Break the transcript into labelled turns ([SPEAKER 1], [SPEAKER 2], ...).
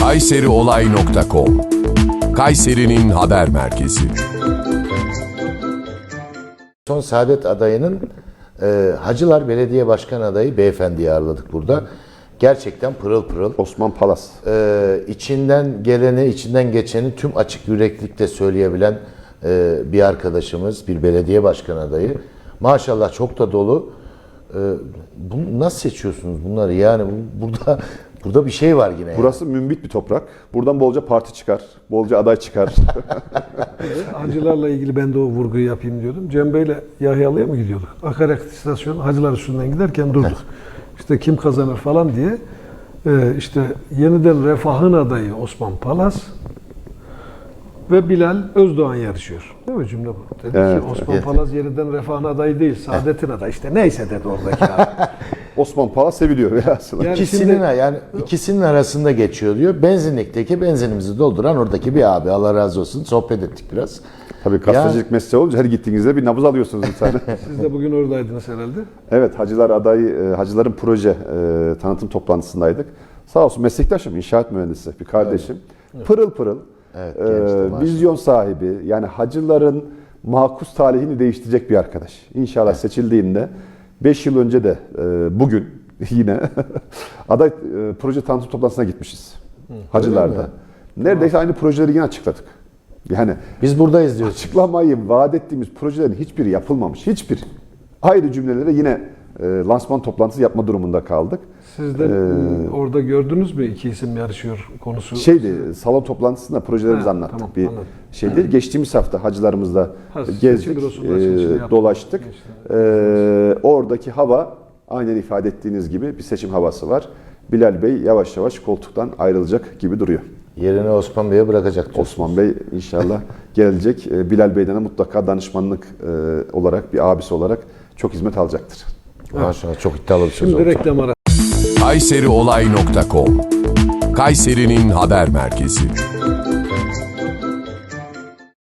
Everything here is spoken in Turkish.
[SPEAKER 1] kayseriolay.com Kayseri'nin haber merkezi.
[SPEAKER 2] Son Saadet adayının Hacılar Belediye Başkan adayı beyefendiyi ağırladık burada. Gerçekten pırıl pırıl.
[SPEAKER 3] Osman Palas.
[SPEAKER 2] İçinden geleni, içinden geçeni tüm açık yüreklilikte söyleyebilen bir arkadaşımız, bir belediye başkan adayı. Maşallah çok da dolu. Bunu nasıl seçiyorsunuz bunları? Yani burada bir şey var yine.
[SPEAKER 3] Burası mümbit bir toprak. Buradan bolca parti çıkar, bolca aday çıkar.
[SPEAKER 4] Hacılarla ilgili ben de o vurguyu yapayım diyordum. Cem Bey'le Yahyalı'ya mı gidiyorduk? Akaryakıt istasyonu Hacılar üstünden giderken durduk. İşte kim kazanır falan diye. İşte yeniden Refah'ın adayı Osman Palas ve Bilal Özdoğan yarışıyor. Değil mi cümle bu? Dedi
[SPEAKER 3] Evet,
[SPEAKER 4] ki Osman Palas yeniden Refah'ın adayı değil, Saadet'in adayı. İşte neyse dedi oradaki abi.
[SPEAKER 3] Osman Palas seviliyor velhasıl.
[SPEAKER 4] Yani
[SPEAKER 2] İkisinin arasında geçiyor diyor. Benzinlikteki benzinimizi dolduran oradaki bir abi. Allah razı olsun. Sohbet ettik biraz.
[SPEAKER 3] Tabii gazetecilik mesleği olunca her gittiğinizde bir nabız alıyorsunuz bir tane.
[SPEAKER 4] Siz de bugün oradaydınız herhalde.
[SPEAKER 3] Evet, Hacılar adayı, Hacıların proje tanıtım toplantısındaydık. Sağ olsun meslektaşım, inşaat mühendisi, bir kardeşim. Evet. Pırıl pırıl,
[SPEAKER 2] Evet, gençti,
[SPEAKER 3] vizyon sahibi, yani Hacıların makus talihini değiştirecek bir arkadaş. İnşallah seçildiğinde 5 yıl önce de bugün yine aday proje tanıtım toplantısına gitmişiz. Hacılar'da. Neredeyse aynı projeleri yine açıkladık. Yani
[SPEAKER 2] Biz buradayız diyoruz.
[SPEAKER 3] açıklamayı vaat ettiğimiz projelerin hiçbiri yapılmamış. Hiçbir. Ayrı cümlelere yine lansman toplantısı yapma durumunda kaldık.
[SPEAKER 4] Siz de orada gördünüz mü iki isim yarışıyor konusu?
[SPEAKER 3] Salon toplantısında projelerimizi anlattık.
[SPEAKER 4] Tamam,
[SPEAKER 3] Bir
[SPEAKER 4] anladım.
[SPEAKER 3] şeydir. Geçtiğimiz hafta hacılarımızla gezdik, dolaştık. Oradaki hava aynen ifade ettiğiniz gibi bir seçim havası var. Bilal Bey yavaş yavaş koltuktan ayrılacak gibi duruyor.
[SPEAKER 2] Yerini Osman Bey'e bırakacak diyorsunuz.
[SPEAKER 3] Osman Bey inşallah gelecek. Bilal Bey'den de mutlaka danışmanlık olarak, bir abisi olarak çok hizmet alacaktır.
[SPEAKER 2] Maşallah çok iddialı bir söz
[SPEAKER 4] Şimdi
[SPEAKER 2] oldu.
[SPEAKER 4] reklam arası.
[SPEAKER 1] kayseriolay.com Kayseri'nin haber merkezi.